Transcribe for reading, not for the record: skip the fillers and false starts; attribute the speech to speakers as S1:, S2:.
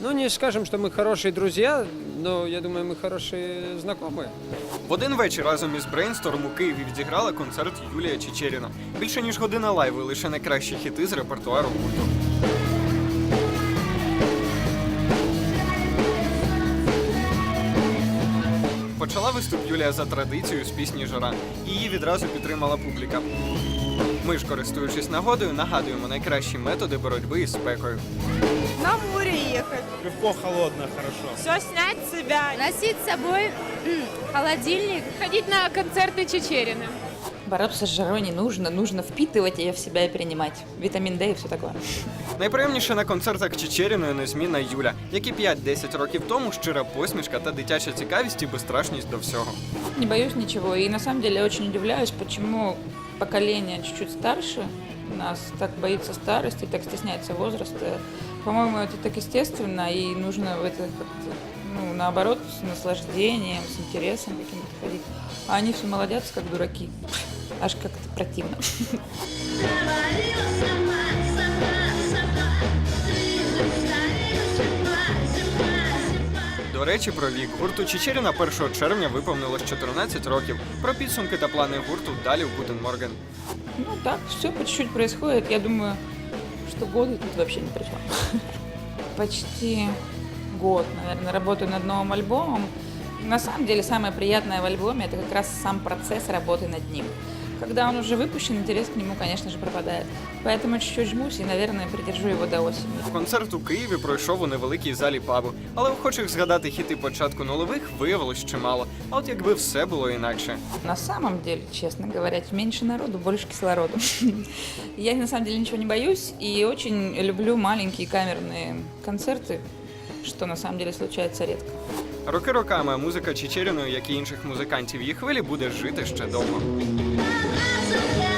S1: Ну, не скажем, что мы хорошие друзья, но я думаю, мы хорошие знакомые.
S2: В один вечір разом із Brainstorm у Києві відіграла концерт Юлія Чичеріна. Більше ніж година лайву і лише найкращі хіти з репертуару гурту. Почала виступ Юлія за традицією з пісні «Жара». Її відразу підтримала публіка. Ми ж, користуючись нагодою, нагадуємо найкращі методи боротьби із спекою.
S3: На море ехать.
S4: Легко, холодно, хорошо.
S3: Все снять с себя.
S5: Носить с собой холодильник.
S6: Ходить на концерты Чичерины.
S7: Бороться с жарой не нужно, нужно впитывать ее в себя и принимать. Витамин D и все такое.
S2: Найприємніше на концертах Чичеріної незмінна Юля, як і 5-10 років тому щира посмішка та дитяча цікавість і безстрашність до всього.
S7: Не боюсь ничего. И на самом деле я очень удивляюсь, почему поколение чуть-чуть старше нас так боится старости, так стесняется возраста. По-моему, это так естественно, и нужно в это как-то, наоборот, с наслаждением, с интересом каким-то ходить. А они все молодятся, как дураки. Аж как-то противно.
S2: До речі, про вік. Гурту Чичеріна 1 червня виповнилось 14 років. Про підсумки та плани гурту далі в Guten Morgen.
S7: Ну так, все по чуть-чуть происходит. Я думаю, что годы тут вообще ни при чем. Почти год, наверное, работаю над новым альбомом. На самом деле, самое приятное в альбоме – это как раз сам процесс работы над ним. Когда он уже выпущен, интерес к нему, конечно же, пропадает. Поэтому чуть-чуть жмусь и, наверное, придержу его до осени.
S2: Концерт у Києві пройшов у невеликій залі пабу. Але охочих згадати хіти початку нульових виявилось чимало. А от якби все було інакше.
S7: На самом деле, честно говоря, меньше народу, больше кислороду. Я на самом деле ничего не боюсь и очень люблю маленькие камерные концерты, что на самом деле случается редко.
S2: Роки роками, а музика Чичеріної, як і інших музикантів її хвилі, буде жити ще довго.
S5: Yeah.